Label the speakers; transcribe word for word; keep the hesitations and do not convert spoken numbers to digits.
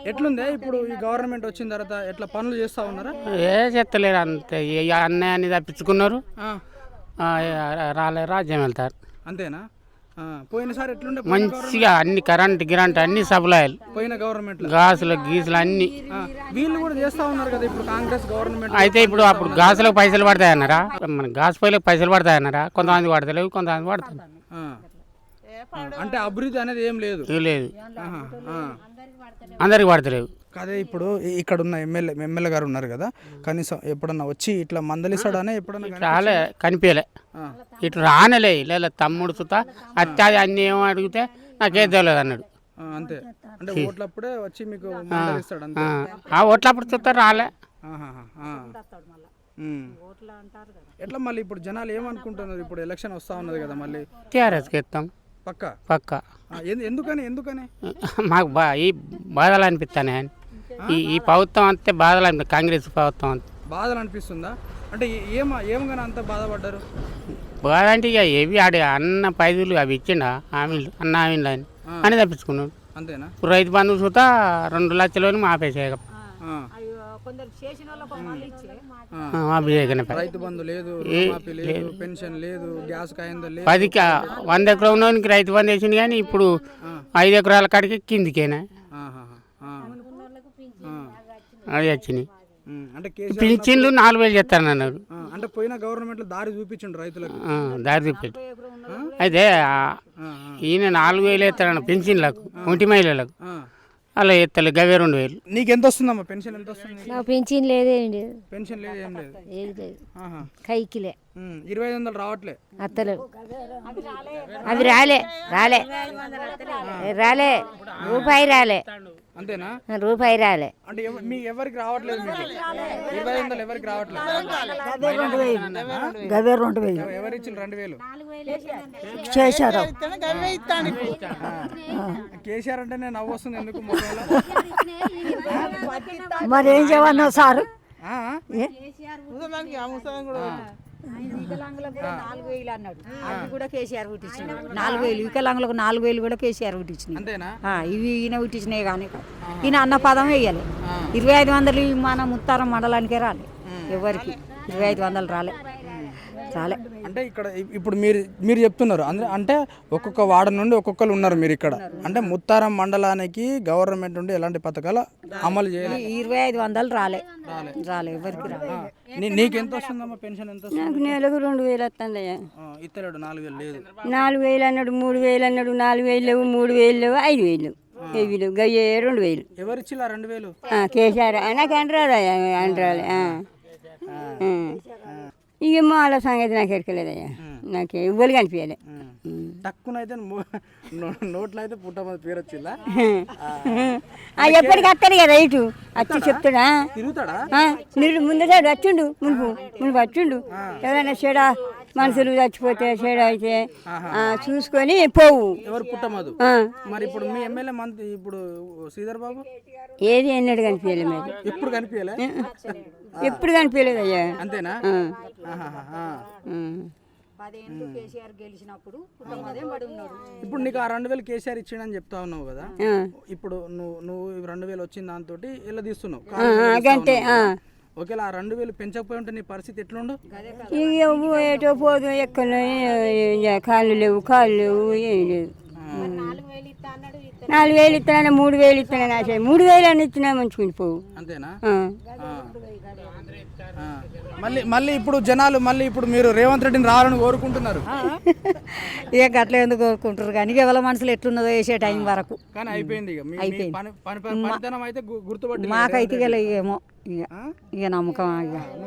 Speaker 1: ఎట్లుందే ఇప్పుడు ఈ గవర్నమెంట్ వచ్చిన తర్వాత ఎట్లా పనులు చేస్తా ఉన్నారా?
Speaker 2: ఏ చెత్తలేరు అంతే ఇక అన్నయ్యని తప్పించుకున్నారు.
Speaker 1: ఆ,
Speaker 2: ఆ, రాలే రాజ్యం వెళ్తారు.
Speaker 1: అంతేనా? ఆ, పోయినసారి ఎట్లుండే పోయిన గవర్నమెంట్?
Speaker 2: మంచిగా అన్ని కరెంట్ గిరంట్ అన్ని సప్లైలు
Speaker 1: పోయిన గవర్నమెంట్
Speaker 2: గాసులు గీసులు అన్ని.
Speaker 1: వీళ్ళు కూడా చేస్తా ఉన్నారు కదా ఇప్పుడు కాంగ్రెస్ గవర్నమెంట్.
Speaker 2: అయితే ఇప్పుడు అప్పుడు గాసులకు పైసలు పడతాయన్నారా? మన గాసు పొయ్యిలకు పైసలు పడతాయన్నారా? కొంతమంది పడతలేవు, కొంతమంది పడతారు.
Speaker 1: ఆ, అంటే అభివృద్ధి అనేది ఏం లేదు.
Speaker 2: ఇవి లేదు,
Speaker 1: ఆహా, ఆ.
Speaker 2: అందరికి పడతలేవు.
Speaker 1: అదే ఇప్పుడు ఈ- ఇక్కడ ఉన్న ఎమ్మెల్యే ఎమ్మెల్యే గారు ఉన్నారు కదా, కనీసం ఎప్పుడన్నా వచ్చి ఇట్లా మందలిస్తాడనే ఎప్పుడన్నా కానీ-
Speaker 2: రాలే, కనిపించలే.
Speaker 1: ఆ,
Speaker 2: ఇటు రానలే లేదా తమ్ముడు సుత అత్యాది అన్ని ఏమో అడిగితే నాకేం తెలియదు అన్నాడు.
Speaker 1: ఆ, అంతే. అంటే ఓట్లప్పుడే వచ్చి మీకు మందలిస్తాడు అంతే.
Speaker 2: ఆ, ఆ ఓట్లప్పుడు చూస్తే రాలే.
Speaker 1: ఆహాహా, ఆ. ఉమ్. ఎట్లా మళ్ళీ ఇప్పుడు జనాలు ఏమనుకుంటున్నారు? ఇప్పుడు ఎలక్షన్ వస్తా ఉన్నది కదా మళ్ళీ
Speaker 2: టీఆర్ఎస్కి ఇస్తాం
Speaker 1: పక్క.
Speaker 2: పక్క.
Speaker 1: ఆ, ఎందు- ఎందుకని ఎందుకని
Speaker 2: మాకు బా ఈ బాధలు అనిపిస్తానే. ఈ ఈ ప్రభుత్వం అంతే బాధలు అనిపి కాంగ్రెస్ ప్రభుత్వం అంతే
Speaker 1: బాధలు అనిపిస్తుందా? అంటే ఏ- ఏమ ఏమగానే అంత బాధపడ్డారు?
Speaker 2: బాధ అంటే ఇక ఏవి ఆడి అన్న పైదులు అవి ఇచ్చిండా హామీలు అన్న హామీలు అని అని తప్పించుకున్నాడు.
Speaker 1: అంతేనా?
Speaker 2: ఇప్పుడు రైతు బంధువు చూతా రెండు లక్షలు మాపేసేయక
Speaker 1: ఆ.
Speaker 2: మాపేయకనే
Speaker 1: రైతు బంధు లేదు, రుణమాఫీ లేదు, పెన్షన్ లేదు, గ్యాస్ కాయింద లేదు.
Speaker 2: పదికి వంద ఎకరం ఉన్నోనికి రైతు బంధు వేసింది కానీ ఇప్పుడు ఐదు ఎకరాల కాడికి కిందికేనా
Speaker 1: ఆహాహా, ఆ. ఆ.
Speaker 2: అది వచ్చినాయి.
Speaker 1: ఉమ్, అంటే కేసీఆర్
Speaker 2: పింఛన్లు నాలుగు వేలు చేస్తానన్నారు.
Speaker 1: ఆ, అంటే పోయిన గవర్నమెంట్ లో దారి చూపించండు రైతులకు.
Speaker 2: ఆ, దారి చూపెట్టు. అయితే ఆ,
Speaker 1: ఆ,
Speaker 2: ఈయన నాలుగు వేలు ఎత్తాడు పింఛన్లకు, ఒంటి మహిళలకు.
Speaker 1: ఆ.
Speaker 2: అలా ఎత్తలే గవే రెండు వేలు.
Speaker 1: నీకు ఎంత వస్తుందమ్మా పెన్షన్? ఎంత వస్తుంది?
Speaker 3: నాకు పెన్షన్ లేదేం లేదు,
Speaker 1: పెన్షన్ లేదు, ఏం లేదు.
Speaker 3: ఏది లేదు,
Speaker 1: ఆహా.
Speaker 3: కైకిలే
Speaker 1: ఉమ్, ఇరవై ఐదు వందలు రావట్లే.
Speaker 3: అత్తలేవు. అవి రాలే రాలే రాలే రూపాయి రాలే,
Speaker 1: అంతేనా?
Speaker 3: రూపాయి రాలే.
Speaker 1: అంటే ఎవ- మీ ఎవరికి రావట్లేదు మీకు ఇరవై ఐదు వందలు ఎవరికి రావట్లేదు?
Speaker 4: గవే రెండు వేలు
Speaker 1: ఎవ- ఎవరు ఇచ్చిన రెండు వేలు?
Speaker 4: చేశారు.
Speaker 1: కేసీఆర్ అంటే నేను నవ్వు వస్తుంది ఎందుకు మొబైల్లో?
Speaker 4: మరి ఏం చేయమన్నావు సారు?
Speaker 1: ఆ?
Speaker 5: వికలాంగులకు కూడా నాలుగు వేలు అన్నాడు, అవి కూడా కేసీఆర్ పుట్టించింది. నాలుగు వేలు వికలాంగులకు నాలుగు వేలు కూడా కేసీఆర్ పుట్టించింది.
Speaker 1: అంతేనా?
Speaker 5: ఇవి ఈయన పుట్టించినాయి కానీ ఈయన అన్న పదం వేయాలి. ఇరవై ఐదు వందలు మన ముత్తారం మండలానికే రాలే, ఎవరికి ఇరవై ఐదు వందలు రాలే రాలే.
Speaker 1: అంటే ఇక్కడ ఇ- ఇప్పుడు మీరు మీరు చెప్తున్నారు ಅಂದ್ರೆ అంటే ఒక్కొక్క వార్డు నుండి ఒక్కొక్కరు ఉన్నారు మీరు ఇక్కడ. అంటే ముత్తారం మండలానికి గవర్నమెంట్ నుండి ఎలాంటి పథకాలు అమలు చేయాలి?
Speaker 5: ఈ ఇరవై ఐదు వందలు రాలే రాలే ఎవరికి రాలే.
Speaker 1: నీ- నీకు ఎంత వస్తుందమ్మా పెన్షన్? ఎంత వస్తుంది?
Speaker 6: నాకు నెలకు రెండు వేలు వస్తుందయ్యా.
Speaker 1: ఆ, ఇత్తలేడు నాలుగు వేలు లేదు.
Speaker 6: నాలుగు వేలు అన్నాడు, మూడు వేలు అన్నాడు, నాలుగు వేలు లేవు, మూడు వేలు లేవు, ఐదు వేలు లేవు, వెయ్యి లేవు, గయ్యే రెండు వేలు.
Speaker 1: ఎవరిచ్చిలా రెండు వేలు?
Speaker 6: ఆ, కేసీఆర్ ఆ, నాకు అంటరాదయ్యా, అంటరాలే. ఆ. ఆ. ఇక మాల సంగతి నాకు ఎరకలేదయ్యా, నాకు ఇవ్వలు కనిపించలే.
Speaker 1: తక్కువనైతే నోట్లో అయితే పుట్టమని పేరు వచ్చిందా?
Speaker 6: ఎప్పటికి వస్తాడు కదా ఇటు వచ్చి చెప్తాడా?
Speaker 1: తిరుగుతాడా?
Speaker 6: మీరు ముందటాడు వచ్చిండు, మునుపు మునుపు వచ్చిండు. ఎవరైనా చెడ మనుషులు చచ్చిపోతే చెడ అయితే ఆ, చూసుకొని పోవు.
Speaker 1: ఎవరు పుట్టమదు?
Speaker 6: ఆ.
Speaker 1: మరి ఇప్పుడు మీ ఎమ్మెల్యే మంత్రి ఇప్పుడు శ్రీధర్ బాబు
Speaker 6: ఏది ఎన్నడు కనిపించలే మరి,
Speaker 1: ఎప్పుడు కనిపించలే?
Speaker 6: ఎప్పుడు కనిపించలేదయ్యా.
Speaker 1: అంతేనా?
Speaker 6: ఆ.
Speaker 1: ఆహాహా, ఆ.
Speaker 6: ఆ.
Speaker 5: పదేళ్ళు కేసీఆర్ గెలిచినప్పుడు కుటుంబదే పడి ఉన్నాడు.
Speaker 1: ఇప్పుడు నీకు ఆ రెండు వేలు కేసీఆర్ ఇచ్చిండని చెప్తా ఉన్నావు కదా,
Speaker 6: ఆ.
Speaker 1: ఇప్పుడు నువ్వు నువ్వు ఈ రెండు వేలు వచ్చిన దాంతో ఇలా తీస్తున్నావు.
Speaker 6: ఆ, గంటే. ఆ.
Speaker 1: ఒకవేళ ఆ రెండు వేలు పెంచకపోయి ఉంటే నీ పరిస్థితి ఎట్లుండు?
Speaker 6: ఇక ఏటో పోదు, ఎక్కడ కాళ్ళు లేవు, కాళ్ళు లేవు, ఏం లేదు. నాలుగు వేలు ఇస్తానన్నా, మూడు వేలు ఇస్తానని ఆశ, మూడు వేలు అని ఇచ్చినా మంచుకుని పోవు.
Speaker 1: అంతేనా?
Speaker 6: ఆ.
Speaker 1: ఆ. ఆ. మళ్ళీ మళ్ళీ ఇప్పుడు జనాలు మళ్ళీ ఇప్పుడు మీరు రేవంత్ రెడ్డిని రావాలని కోరుకుంటున్నారు
Speaker 5: ఇక గట్ల ఎందుకు కోరుకుంటారు కానీ ఎవరి మనసులు ఎట్లున్నదో వేసే టైం వరకు.
Speaker 1: కానీ అయిపోయింది ఇక మీ- మీ
Speaker 5: అయిపోయింది.
Speaker 1: పని పని పనితనం అయితే గు- గుర్తుపట్టి
Speaker 5: మాకైతే ఇక ఏమో ఇక ఇక నమ్మకం ఇక